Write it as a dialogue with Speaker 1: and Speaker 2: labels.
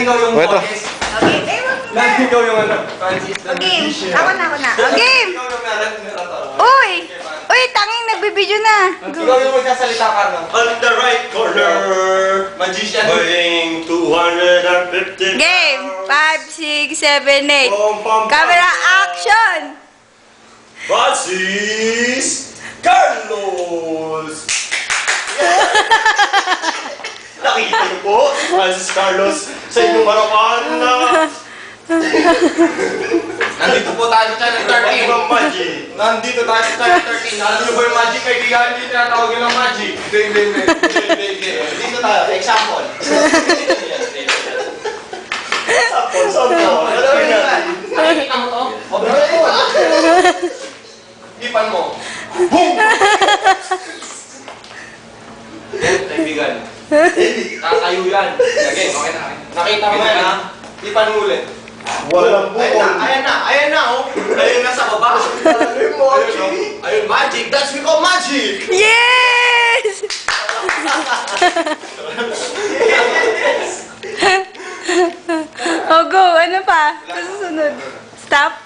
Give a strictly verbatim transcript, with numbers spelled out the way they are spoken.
Speaker 1: ikaw yung
Speaker 2: Ito.
Speaker 1: host.
Speaker 3: Okay, eh, wag mo
Speaker 1: Lahat
Speaker 3: na.
Speaker 1: ikaw yung ano, Francis.
Speaker 3: O, game. Ako na, ako na. O, game.
Speaker 1: Ikaw yung meron, meron to.
Speaker 3: Uy! Uy, tanging nagbibideo na.
Speaker 1: Ikaw yung magsasalita ka, no?
Speaker 4: On the right corner,
Speaker 1: Magician.
Speaker 4: weighing two hundred fifty.
Speaker 3: Game. five, six, seven, eight.
Speaker 4: Pom, pom, pom.
Speaker 3: Camera action!
Speaker 4: Francis Carlos! Nakikita niyo po si Francis Carlos sa inyong harapan na
Speaker 1: Nandito po tayo sa Channel thirteen.
Speaker 4: Pag Magic.
Speaker 1: Nandito tayo sa Channel thirteen. Alam niyo ba yung magic? Kaibigan, hindi tinatawag yun ng magic. Hindi, hindi, hindi. Hindi, hindi, hindi. Dito tayo. Example.
Speaker 4: Sapon, sapon. Alam mo yan.
Speaker 1: Nakikita mo to? O, bigyan mo. Ipan mo. Boom! Yan, kaibigan. Tatayo yan. Again, okay na. Nakita mo yan, ha? Ipan mo ulit.
Speaker 4: Walang
Speaker 1: Ayan na,
Speaker 4: bukol.
Speaker 1: ayan na, ayan na, oh. Ayun na sa baba. Ayun, oh. Ayun, magic. That's we call magic.
Speaker 3: Yes! O, go. Ano pa? Susunod. Stop.